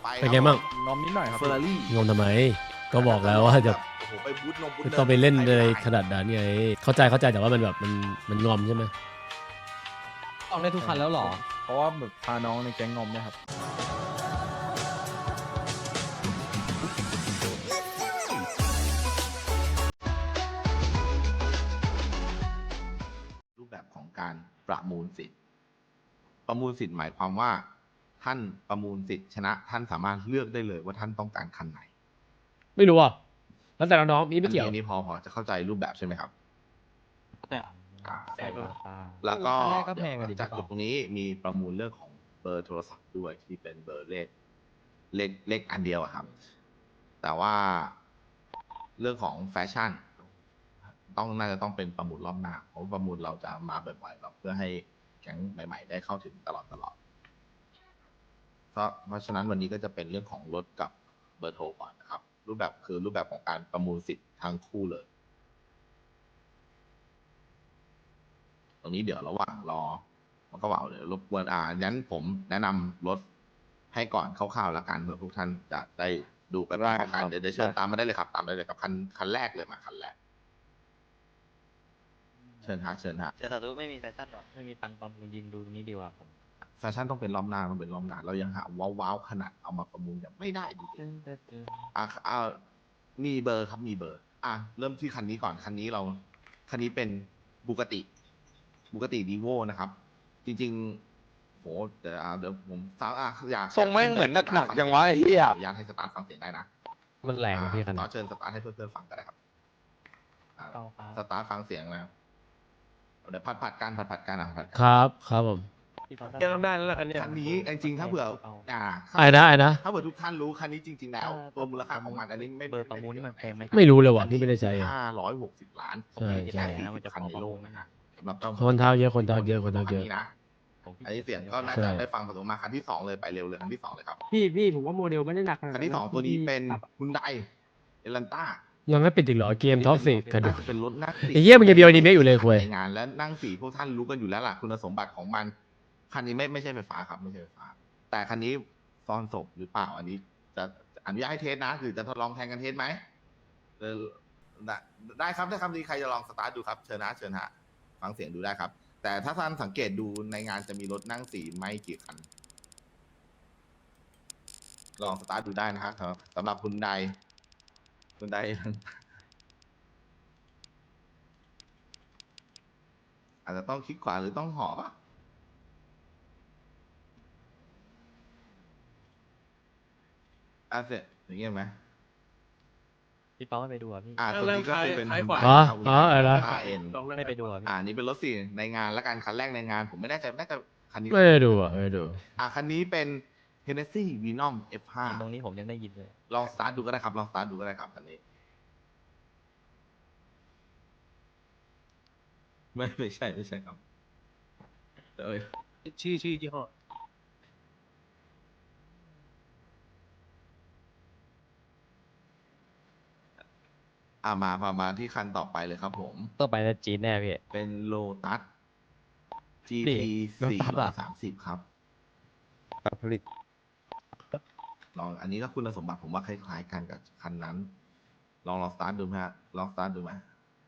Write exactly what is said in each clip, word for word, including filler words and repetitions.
เป็นไงบ้างงอมนิดหน่อยครับเฟอร์รารี่งงทำไมก็บอกแล้วว่าจะโอ้โหไปบูทนงบูทไม่เนิต้องไปเล่นเลยขนาดนั้นไงเข้าใจเข้าใจแต่ว่ามันแบบมันมันงอมใช่ไหมออกได้ทุกคันแล้วเหรอเพราะว่าแบบพาน้องในแก๊งงอมเนี่ยครับรูปแบบของการประมูลสิทธิ์ ประมูลสิทธิ์หมายความว่า ท่านประมูลสิทธิ์ชนะท่านสามารถเลือกได้เลยว่าท่านต้องการคันไหนไม่รู้อ่ะแล้วแต่น้องๆนี่ไม่เกี่ยวอันนี้พอพอจะเข้าใจรูปแบบใช่ไหมครับแต่อ่าแต่ก็แล้วก็แรกก็แพงกว่าดิจากจุดตรงนี้มีประมูลเรื่องของเบอร์โทรศัพท์ด้วยที่เป็นเบอร์เลขเลขเลขอันเดียวอะครับ แต่ว่าเรื่องของแฟชั่น ต้องน่าจะต้องเป็นประมูลรอบหน้าเพราะประมูลเราจะมาบ่อยๆเราเพื่อให้แก๊งใหม่ ๆ ได้เข้าถึงตลอดตลอดเพราะเพราะฉะนั้นวันนี้ก็จะเป็นเรื่องของรถกับเบอร์โทรก่อนนะครับ รูปแบบคือรูปแบบของการประมูลสิทธิ์ทั้งคู่เลย ตรงนี้เดี๋ยวระหว่างรอมันก็ว่าเดี๋ยวรบกวนอ่างั้นผมแนะนำรถให้ก่อนคร่าวๆแล้วกันเผื่อทุกท่านจะได้ดูกันได้กันเดี๋ยวเดี๋ยวเชิญตามมาได้เลยครับตามได้เลยครับคันคันแรกเลยมาคันแรกเชิญฮะเชิญฮะแต่สาธุไม่มีแฟชั่นหรอไม่มีตังค์ตอนยิงดูนี้ดีกว่าผมแฟชั่นต้องเป็นรอบหน้าต้องเป็นรอบหน้าเรายังหาว้าวๆขนาดเอามาประมูลยังไม่ได้ดูดิอ่ะอ่ามีเบอร์ครับมีเบอร์ อ่ะเริ่มที่คันนี้ก่อนคันนี้เราคันนี้เป็นบูกติบูกติดีโวนะครับ จริงๆโหเดี๋ยวอ่ะเดี๋ยวผมสาวอ่ะอยากทรงแม่งเหมือนหนักๆจังวะไอ้เหี้ยอนุญาตให้สตาร์ทฟังเสียงได้นะมันแรงนะพี่คันต่อเชิญสตาร์ทให้เพื่อนๆฟังก็ได้ครับอ่ะเอาครับสตาร์ทฟังเสียงนะเดี๋ยวผัดผัดๆกันผัดผัดๆกันอ่ะผัดครับครับผมยังต้องได้แล้วล่ะคันเนี้ยคันนี้จริงๆถ้าเผื่ออ่าไอ้นะไอ้นะถ้าเผื่อทุกท่านรู้คันนี้จริง ๆ แล้ว ตัวมูลค่าของมันอันนี้ไม่เบอร์ประมูลนี่มันแพงไหมไม่รู้เลยว่ะนี่ไม่ได้ใช้อ่ะห้าร้อยหกสิบล้านใช่ใช่มันจะคันในโลกนะฮะสำหรับเจ้าคนเท้าเยอะคนเท้าเยอะคนเท้าเยอะนนี้นะอันนี้เสียงก็น่าใช่จะได้ฟังผสมมาคันที่สองเลยไปเร็วเลยคันที่สองเลยครับพี่พี่ผมว่าโมเดลไม่ได้หนักขนาดคันที่สองตัวนี้เป็นฮุนไดเอลันต้ายังไม่ปิดอีกเหรอเกมท็อปสิกันดูน่าจะเป็นรถนั่งสี่ไอ้เหี้ยมันยังเบียวอนิเมะอยู่เลยคุยในงานและนั่งสี่พวกท่านรู้กันอยู่แล้วล่ะคุณสมบัติของมันคันนี้ไม่ไม่ใช่ไฟฟ้าครับไม่ใช่ไฟฟ้า แต่คันนี้ซ่อนศพหรือเปล่าอันนี้จะอนุญาตให้เทสนะคือจะทดลองแทนกันเทสไหมเออได้ได้ครับได้ครับดีใครจะลองสตาร์ทดูครับเชิญนะเชิญฮะฟังเสียงดูได้ครับ แต่ถ้าท่านสังเกตดูในงานจะมีรถนั่งสี่ไม่กี่คัน ลองสตาร์ทดูได้นะครับสำหรับคุณใดคุณใด อาจจะต้องคลิกขวาหรือต้องหอปะอ่ะเสร็จอย่างเงี้ยไหมพี่เป้าไม่ไปดูอ่ะพี่อ่าตัวนี้ก็คือเป็นซ้ายขวาอ๋ออ๋ออะไรนะอาร์เอ็นลองเล่นไม่ไปดูอ่ะพี่อ่านี่เป็นรถสี่ในงานและการคันแรกในงาน ผมไม่แน่ใจน่าจะคันนี้ไม่ได้ดูอ่ะไม่ได้ดูอ่าคันนี้เป็น Hennessy Venom เอฟ ห้าตรงนี้ผมยังได้ยินเลยลองสตาร์ทดูก็ได้ครับ ลองสตาร์ทดูก็ได้ครับคันนี้ ไม่ไม่ใช่ไม่ใช่ครับเอ้ยชื่อชื่อยี่ห้ออ่ามามามาที่คันต่อไปเลยครับผมต้องไปแล้วจีนแน่พี่เป็นโลตัส จีนี่ทีรถสี่ตัสร้ออะยสามสิบครับผลิตลองอันนี้ก็คุณสมบัติผมว่าคล้ายๆกันกับคันนั้น ลองลองสตาร์ทดูไหมฮะลองสตาร์ทดูไหม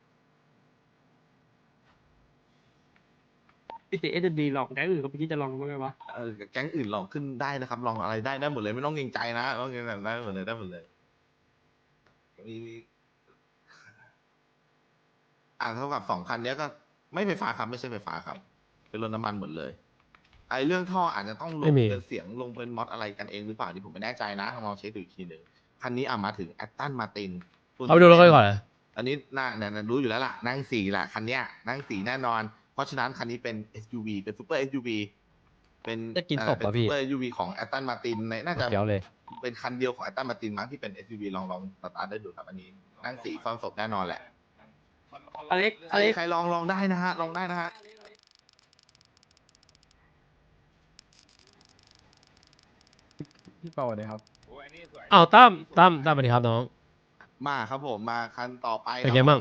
พี่ติเอสดีลองแก๊งอื่นเขาพี่จะลองมั้างไหมวะเออแก๊งอื่นลองขึ้นได้นะครับ ลองอะไรได้ได้หมดเลยไม่ต้องเกรงใจนะต้องเกรงใจได้หมดเลยได้หมดเลยมีมีอ่าเท่ากับสองคันเนี้ยก็ไม่ไฟฟ้าครับไม่ใช่ไฟฟ้าครับ เป็นรถน้ำมันหมดเลย ไอ้เรื่องท่ออาจจะต้องลไม่งมีเป็นเสียงลงเป็นมอดอะไรกันเองหรือเปล่าที่ผมไม่แน่ใจนะลองเช็คดูอีกทีหนึ่งคันนี้อ่ะมาถึงแอตตันมาตินเอาไปดูรถกันก่อนเลยอันนี้น่าเนี่ยรู้อยู่แล้วล่ะ นั่งสี่แหละคันเนี้ยนั่งสี่แน่นอน เพราะฉะนั้นคันนี้เป็น เอส ยู วี เป็นซูเปอร์ เอส ยู วี เป็นจะกินเอ่อตบเป็นป่ะซูพี่เปอร์ เอส ยู วี ของแอตตันมาตินในน่าจะเดี๋ยวเลยเป็นคันเดียวของแอตตันมาตินมั้งที่เป็น เอส ยู วี ลองลองสตาร์ทได้ดูครับอันนี้ นั่งสี่ซ่อนศพแน่นอนแหละอเล็กใคอรเล็กใครลองลองได้นะฮะลองได้นะฮะพี่เปาเลยครับอ้าวตั้มตั้มตั้มสวัสดีครับน้องมาครับผมมาคันต่อไปเป็นไงบ้าง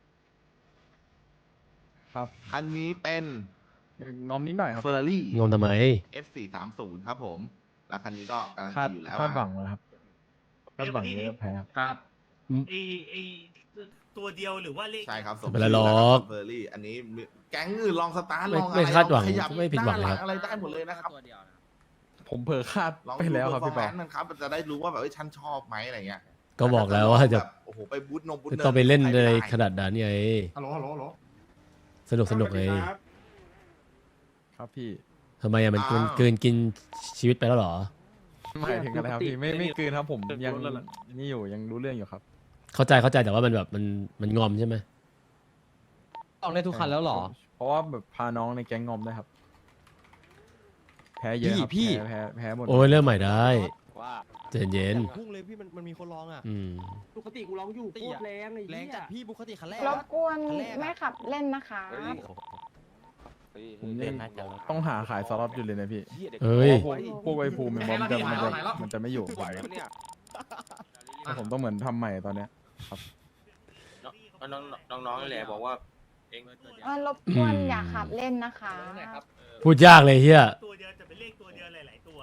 ครับคันนี้เป็นงอมนิดหน่อยครับ Ferrari งงทำไมเอฟ สี่สามศูนย์ ครับผมแล้วคันนี้ก็การันคาดตีอยู่แล้วคาดหวังนะครับคาดหวังเยอะแพ้ครับครับไอไอตัวเดียวหรือว่าเลขใช่ครับสไม่เป็นไรหรอกเบอร์รี่อันนี้แก๊งอื่นลองสตาร์ทไม่ลองอะไรไม่คาดหวังลอขยับไม่ผิดหวังเลยครับน้าลัอะไรได้หมดเลยนะครับผมเผลอคาดลองไปแล้วครับพี่เปาดู performance มันครับจะได้รู้ว่าแบบเอ้ยฉันชอบไหมอะไรเงี้ยก็บอกแล้วว่าจะแบบโอ้โหไปบูทนงบูทจะเนิต้องไปเล่นใครในม่ด้ขนาดนั้นไงฮัลโหลฮัลโหลฮัลโหลสนุกสนุกไงครับพี่ทำไมอะมันมันเกินกินชีวิตไปแล้วเหรอหมายถึงอะไรครับพี่ไม่ไม่เกินครับผมยังรถแล้วล่ะนี่อยู่ยังรู้เรื่องอยู่ครับเข้าใจเข้าใจแต่ว่ามันแบบมันมันงอมใช่ไหมออกได้ทุกคันแล้วเหรอเพราะว่าแบบพาน้องในแก๊งงอมด้วยครับ แพ้เยอะครับพี่แพ้แพ้แพ้หมดโอ้ยเริ่มใหม่ได้ว่าใจเย็นพุ่งเลยพี่มันมันมีคนร้องอ่ะๆอืมปกติกูร้องอยู่โคตรแรงไอ้แรงเหี้ยจัดพี่บุคติคันแรกรบกวนคันแรกอะไม่ขับเล่นนะคะผมยังต้องหาขายสล็อตอยู่เลยนะพี่เอ้ยพวกพวกไอภูมิมันจะมันจะมันจะไม่อยู่ผมนะแต่ผมต้องเหมือนทำใหม่ตอนเนี้ยน้องน้องน้องนี่แหละบอกว่าเองเออรบกวนอืมอย่าขับเล่นนะคะพูดยากเลยเฮียตัวเดียวจะเป็นเลขตัวเดียวหลาย ๆ ตัว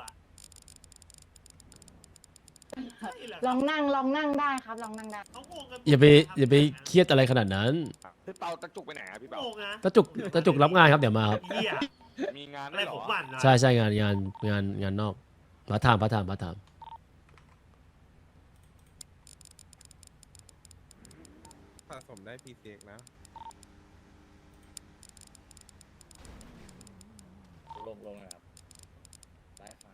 ลองนั่งลองนั่งได้ครับ ลองนั่งได้เขาโกงกันอย่าไปอย่าไปเครียดอะไรขนาดนั้นพี่เปาตะจุกไปไหนอ่ะพี่เปาโกงนะตะจุกตะจุกรับงานครับเดี๋ยวมาครับเหี้ยมีงานอะไรด้วยเหรผมอหวั่นนะใช่ใช่งานงานงานงานนอกพาร์ทไทม์พาร์ทไทม์พาร์ทไทม์สะสมได้พีเซ็กนะลงลงนะครับ ได้ครับ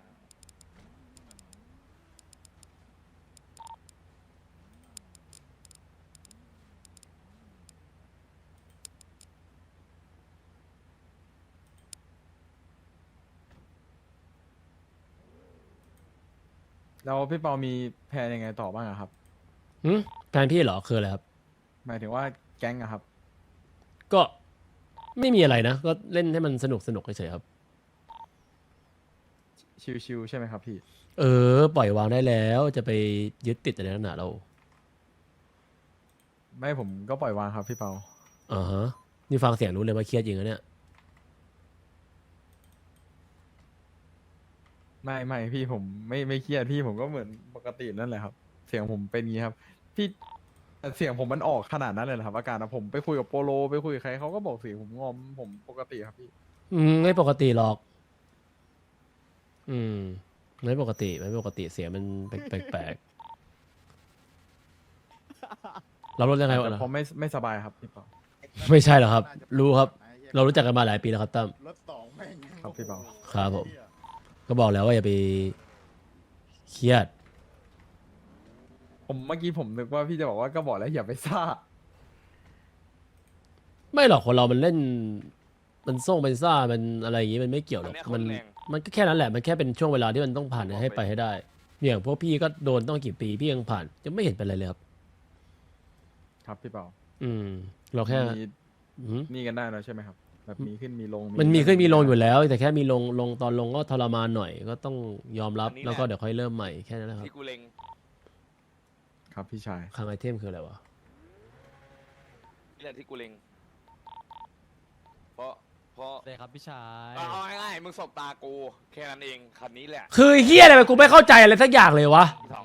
แล้วพี่เปามีแพลนยังไงต่อบ้างอะครับหืมแฟนพี่เหรอคืออะไรครับหมายถึงว่าแก๊งอะครับก็ไม่มีอะไรนะ ก็เล่นให้มันสนุกสนุกเฉยๆครับชิวๆใช่ไหมครับพี่เออ ปล่อยวางได้แล้วจะไปยึดติดอะไรนักหนาเราไม่ผมก็ปล่อยวางครับพี่เปาอ่าฮะนี่ฟังเสียงรู้เลยว่าเครียดจริงนะเนี่ยไม่ไม่พี่ผมไม่ไม่เครียดพี่ผมก็เหมือนปกตินั่นแหละครับ เสียงผมเป็นงี้ครับ พี่แต่เสียงผมมันออกขนาดนั้นเลยเหรอครับอาการนะผมไปคุยกับโปโลไปคุยกับใครเขาก็บอกเสียงผมงอมผมปกติครับพี่อืมไม่ปกติหรอก อืมไม่ปกติไม่ปกติเสียงมันแปลกแปลกๆเราลดยังไงวะแต่ผมไม่ไม่สบายครับพี่เปาไม่ใช่หรอกครับ รู้ครับ เรารู้จักกันมาหลายปีแล้วครับตั้มครับพี่เปาครับผม ก็บอกแล้วว่าอย่าไปเครียดผมเมื่อกี้ผมนึกว่าพี่จะบอกว่าก็บอกแล้วอย่าไปซ่าไม่หรอกคนเรามันเล่น มันส่งเป็นซ่ามันอะไรอย่างงี้มันไม่เกี่ยวหรอกมันมันก็แค่นั้นแหละมันแค่เป็นช่วงเวลาที่มันต้องผ่านให้ไปให้ได้อย่างพวกพี่ก็โดนต้องกี่ปีพี่ยังผ่านยังไม่เห็นเป็นไรเลยครับครับพี่เปาอืม เราแค่มีอืมนี่กันได้แล้วใช่ไหมครับ แบบมีขึ้นมีลงมันมีขึ้นมีลงอยู่แล้ว แต่แค่มีลงลงตอนลงก็ทรมานหน่อย ก็ต้องยอมรับแล้วก็เดี๋ยวค่อยเริ่มใหม่แค่นั้นแหละครับที่กูเล็งครับพี่ชายคลังไอเทมคืออะไรวะนี่แหละที่กูเล็งเพราะเพราะได้ครับพี่ชายเอาเอาง่ายๆมึงสบตากูแค่นั้นเองคันนี้แหละคือเฮียอะไรไปกูไม่เข้าใจอะไรสักอย่างเลยวะพี่ทอง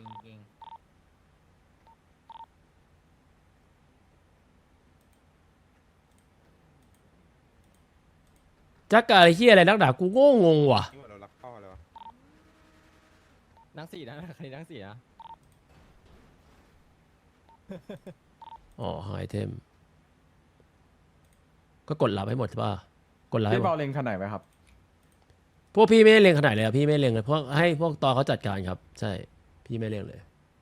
จักรอะไรเฮียอะไรนักด่ากูโง่งงว่ะนี่ว่าเรารักพ่อเลยวะนั่งสี่นะคันนี้นั่งสี่นะอ๋อไอเทม ก็กดรับให้หมดใช่ป่ะ กดรับให้พี่หมเปาดเล็งขนาดไหนครับพวกพี่ไม่ได้เล็งขนาดเลยอะพี่ไม่เล็งเลยพวกให้พวกตอเขาจัดการครับ ใช่ พี่ไม่เล็งเลย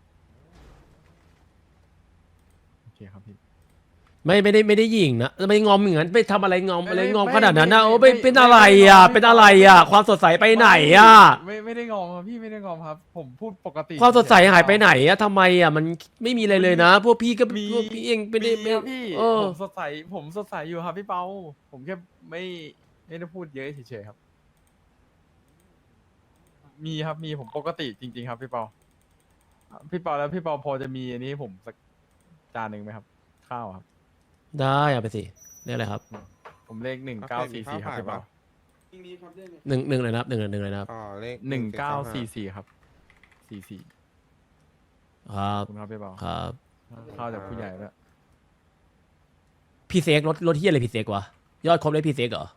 โอเคครับพี่ไม่ไม่ได้ไม่ได้ยิงนะไม่งอมอย่างนั้นไปทำอะไรงอมอะไรไม่งอมไม่ขนาดนั้นนะไม่โอ้ไม่ไปเป็นไม่อะไรไม่อ่ะไม่เป็นอะไรอ่ะ ความสดใสไปไหนอ่ะไม่ไม่ได้งอมครับพี่ไม่ได้งอมครับ ผมพูดปกติความสดใสหายไปไหนอ่ะทำไมอ่ะมันไม่มีอะไรเลยนะ พวกพี่ก็มีพวกพี่เองไม่ได้มีไม่ครับพี่เออผมสดใสผมสดใสอยู่ครับพี่เปาผมแค่ไม่ไม่ได้พูดเยอะเฉยๆครับ มีครับมีผมปกติจริง ๆ ครับพี่เปาพี่เปาแล้วพี่เปาพอจะมีอันนี้ให้ผมสักจานหนึ่งไหมครับ ข้าวครับได้เอาไปสิเรียกอะไรครับผมเลขหนึ่งเก้าสี่สี่ครับพี่เปาหนึ่งหนึ่งเลยนะครับหนึ่งหนึ่งเลยนะครับอ๋อเลขหนึ่งเก้าสี่สี่ครับสี่สี่ครับคุณครับพี่เบาครับเข้าจากผู้ใหญ่แล้วยพี่เซ็กรถรถที่อะไรพี่เซ็กวะยอดครบได้พี่เซ็กเหรอ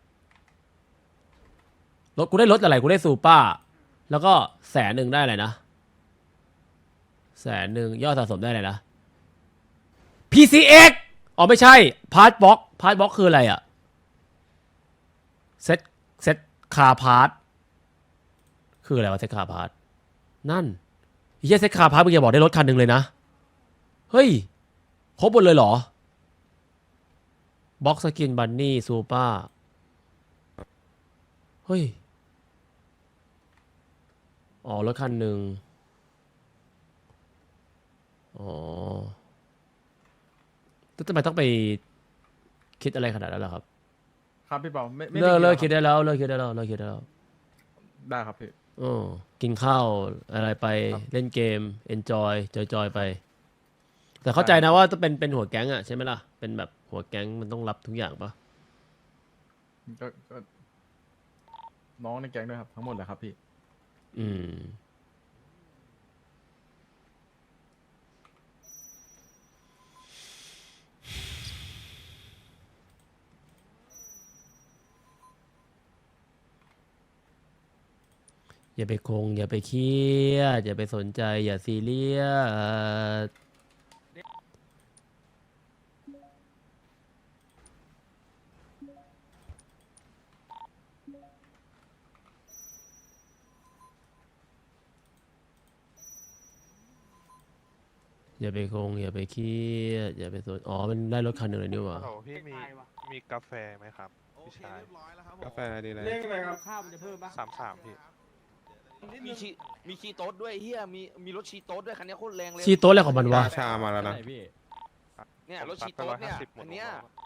รถกูได้รถอะไรกูได้ซูเปอร์แล้วก็แสนหนึ่งได้อะไรนะแสนหนึ่งยอดสะสมได้อะไรนะ พี ซี เอ็กซ์ อ๋อไม่ใช่พาร์ทบ็อกพาร์ทบ็อกคืออะไรอะเซ็ตเซ็ตคาพาร์ทคืออะไรวะเซ็ตคาพาร์ทนั่นไอ้เหี้ยเซ็ตคาพาร์ทมึงอย่าบอกได้รถคันหนึ่งเลยนะเฮ้ยครบหมดเลยเหรอบ็อกสกินบันนี่ซูเปอร์เฮ้ยอ๋อรถคันหนึ่งอ๋อแล้วทำไมต้องไปคิดอะไรขนาดนั้นล่ะครับครับพี่เบาไม่ไม่เลิกเลิกได้คิดได้แล้วเลิกคิดได้แล้วเลิกคิดได้แล้วได้ครับพี่อ๋อกินข้าวอะไรไปครับเล่นเกม enjoy จอยๆไป แต่เข้าใจนะว่าต้องเป็นเป็นหัวแก๊งอะใช่ไหมล่ะ เป็นแบบหัวแก๊งมันต้องรับทุกอย่างปะก็ก็น้องในแก๊งด้วยครับทั้งหมดเลยครับพี่อืม อย่าไปคง อย่าไปเครียดอย่าไปสนใจ อย่าซีเรียสอย่าไปคง อย่าไปเครียดอย่าไปสนอ๋อมันได้รถคันหนึ่งเลยนี่หว่าฮัลโหลพี่มีมีกาแฟไหมครับพี่ชาย กาแฟอะไรดีเลยเลขอะไรครับข้าวมันจะเพิ่มปะสามสามพี่มีชีมีชีโต๊ดด้วยเฮียมีมีรถชีโต๊ดด้วยคันนี้โคตรแรงเลยชี้โต๊ะอะไรของมันวะชามาแล้วนะไหนพี่เนี่ยรถชีโต๊ดเนี่ยอันเนี้ย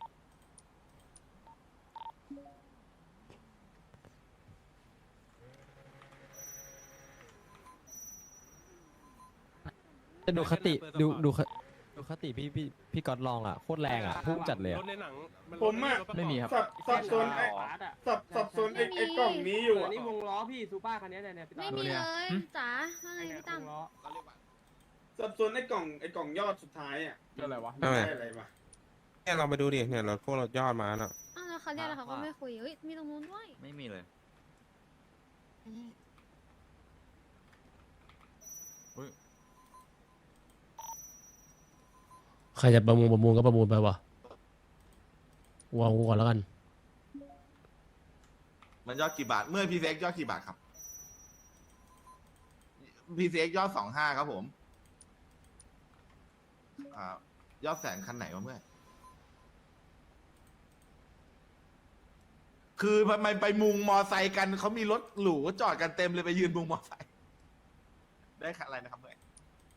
จะดูคติดูดูคดูคติพี่พี่พี่ก๊อตลองอ่ะโคตรแรงอ่ะพุ่งจัดเลยอะผมอะไม่มีครับสับสับสนไอ้บาสอะสับสับสนไอ้ไอ้กล่องนี้อยู่อันอะนี้วงล้อพี่ซูเปอร์คันนี้เนี่ยเนี่ยพี่ไม่ตั้มมีเนี่ยเลยจ๋าว่าไงเนี่ยพี่ตั้มวงล้อสับสนไอ้กล่องไอ้กล่องยอดสุดท้ายอะก็อะไรวะทำไมได้อะไรวะเนี่ยเราไปดูดิเนี่ยเราพวกเรายอดมาน่ะอ้าวแล้วเขาเรียกแล้วเขาก็ไม่คุยเฮ้ยมีตรงนู้นด้วยไม่มีเลยใครจะประมูลประมูลก็ประมูลไปวะวางกูก่อนแล้วกันมันยอดกี่บาท เมื่อพีซีเอ็กยอดกี่บาทครับพีซีเอ็กยอดสองห้าครับผมอ่ายอดแสนคันไหนวะเมื่อ คือทำไมไปมุงมอไซค์กันเขามีรถหรูจอดกันเต็มเลยไปยืนมุงมอไซค์ได้คันอะไรนะครับเมื่อ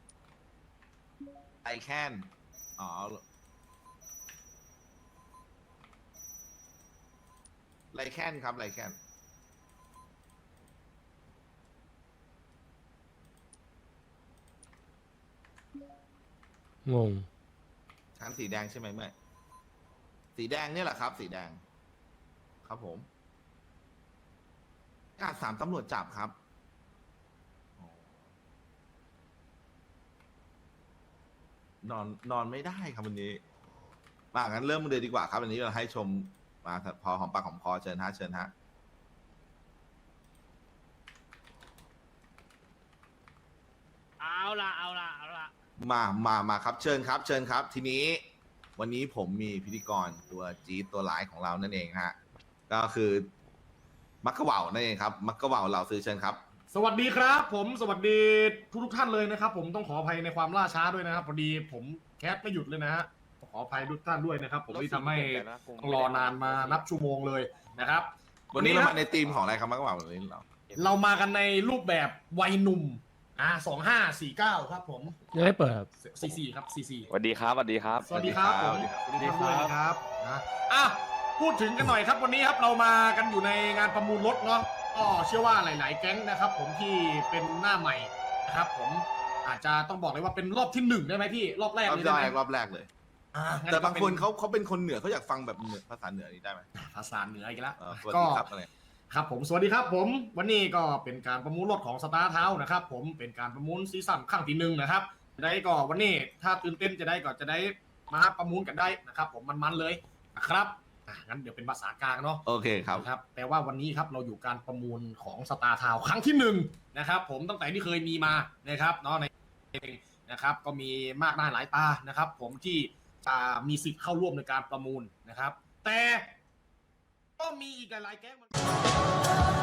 ไอแคนอ๋อไลแคนครับไลแคนงงคันสีแดงใช่ไหมเมื่อสีแดงเนี่ยแหละครับ สีแดง ครับผมกาดสามตำรวจจับครับนอนนอนไม่ได้ครับวันนี้มางั้นเริ่มเลยดีกว่าครับวันนี้เราให้ชมมาพอหอมปากหอมคอเชิญฮะเชิญฮะเอาละเอาละเอาละมามามาครับเชิญครับเชิญครับ ทีนี้ วันนี้ผมมีพิธีกรตัวจี๊ดตัวร้ายของเรานั่นเองฮะก็คือมักกะเหว่านั่นเองครับมักกะเหว่าเราซื้อเชิญครับสวัสดีครับ ผมสวัสดีทุกทุกท่านเลยนะครับ ผมต้องขออภัยในความล่าช้าด้วยนะครับพอดีผมแคสไม่หยุดเลยนะฮะขออภัยทุกท่านด้วยนะครับ ผมที่ทำให้ต้องรอนานมานับชั่วโมงเลยนะครับวันนี้เรามาในธีมของอะไรครับมักกะเหว่าวันนี้เราเรามากันในรูปแบบวัยหนุ่มอ่าสองห้าสี่เก้าครับผมยังไม่เปิดครับสี่สี่ครับสี่สี่สวัสดีครับสวัสดีครับสวัสดีครับผมสวัสดีครับนะอ่ะพูดถึงกันหน่อยครับวันนี้ครับเรามากันอยู่ในงานประมูลรถเนาะก็เชื่อว่าหลาย ๆ แก๊งนะครับ ผมที่เป็นหน้าใหม่นะครับ ผมอาจจะต้องบอกเลยว่าเป็นรอบที่หนึ่งได้ไหมพี่รอบแรกรอบเลยแรได้ไหมกรอบแรกเลยอ่ะงั้แต่ก็บางเป็คนเขาเขาเป็นคนเหนือเขาอยากฟังแบบเหนือภาษาเหนือนี้ได้ไหมภาษาเหนืออีกแล้วเออสวัสก็ดีครับอะไรครับผมสวัสดีครับผมวันนี้ก็เป็นการประมูลรถของสตาร์เท้านะครับผมเป็นการประมูลซีซั่นครั้งที่หนึ่งนะครับจะได้ก็วันนี้ถ้าตื่นเต้นจะได้ก็จะได้มาประมูลกันได้นะครับผมมันๆเลยนะครับอ่ะงั้นเดี๋ยวเป็นภาษากลางเนาะโอเคครับครับแต่ว่าวันนี้ครับเราอยู่การประมูลของสตาร์ทาวครั้งที่หนึ่งนะครับผมตั้งแต่ที่เคยมีมานะครับเนาะในนะครับก็มีมากหน้าหลายตานะครับผมที่จะมีสิทธิ์เข้าร่วมในการประมูลนะครับแต่ก็มีอีกหลายๆแก๊งมัน